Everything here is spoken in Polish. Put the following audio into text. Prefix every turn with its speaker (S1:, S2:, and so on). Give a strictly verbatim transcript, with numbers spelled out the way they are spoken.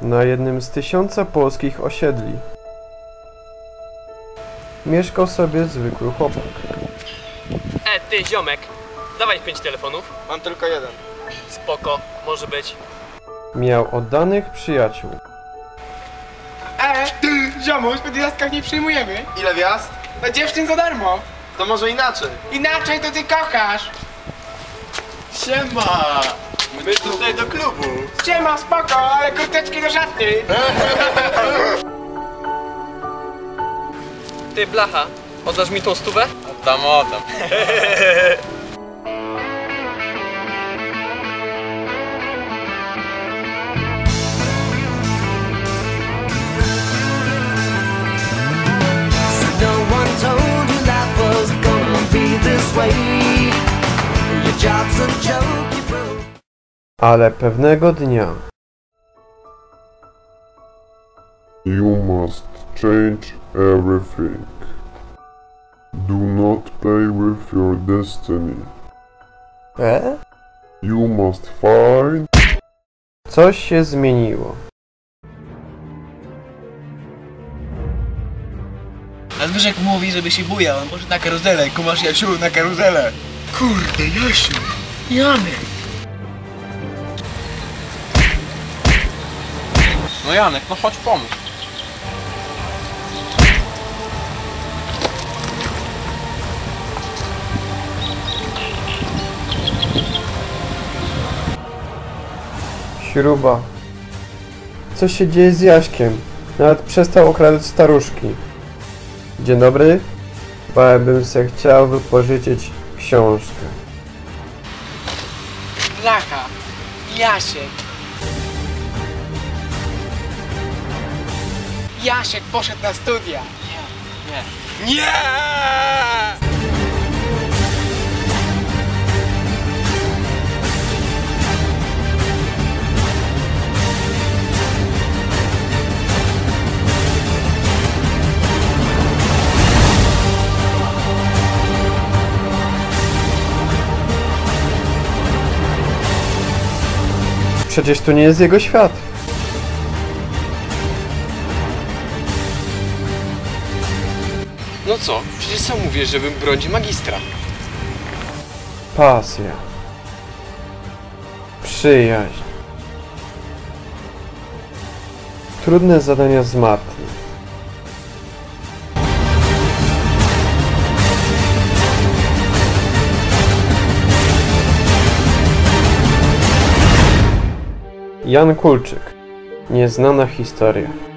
S1: Na jednym z tysiąca polskich osiedli mieszkał sobie zwykły chłopak.
S2: E, ty ziomek, dawaj pięć telefonów.
S3: Mam tylko jeden.
S2: Spoko, może być.
S1: Miał oddanych przyjaciół.
S4: E, ty, ziomuś, po gwiazdkach nie przyjmujemy.
S3: Ile gwiazd?
S4: No dziewczyn za darmo.
S3: To może inaczej.
S4: Inaczej to ty kochasz.
S3: Siema! My tutaj do klubu.
S4: Siema, spoko, ale kurteczki do szatni.
S2: Ty blacha, oddasz mi tą stówę?
S3: Oddam, oddam.
S5: No one told you life was gonna be this way. Your job's a joke you broke.
S1: Ale pewnego dnia
S6: You must change everything. Do not play with your destiny.
S1: E?
S6: You must find
S1: Coś się zmieniło.
S7: A Zbyszek mówi, żeby się bujał, on może na karuzelę, kumasz Jasiu, na karuzelę. Kurde, Jasiu, Janek.
S3: No Janek, no chodź pomóż.
S1: Śruba. Co się dzieje z Jaśkiem? Nawet przestał okradać staruszki. Dzień dobry. Chyba bym se chciał wypożyczyć książkę.
S4: Blacha, Jasiek. Jasiek poszedł na studia.
S3: Nie!
S1: Przecież to nie jest jego świat.
S2: No co, przecież sam mówię, żebym bronił magistra.
S1: Pasja. Przyjaźń. Trudne zadania z matmy. Jan Kulczyk. Nieznana historia.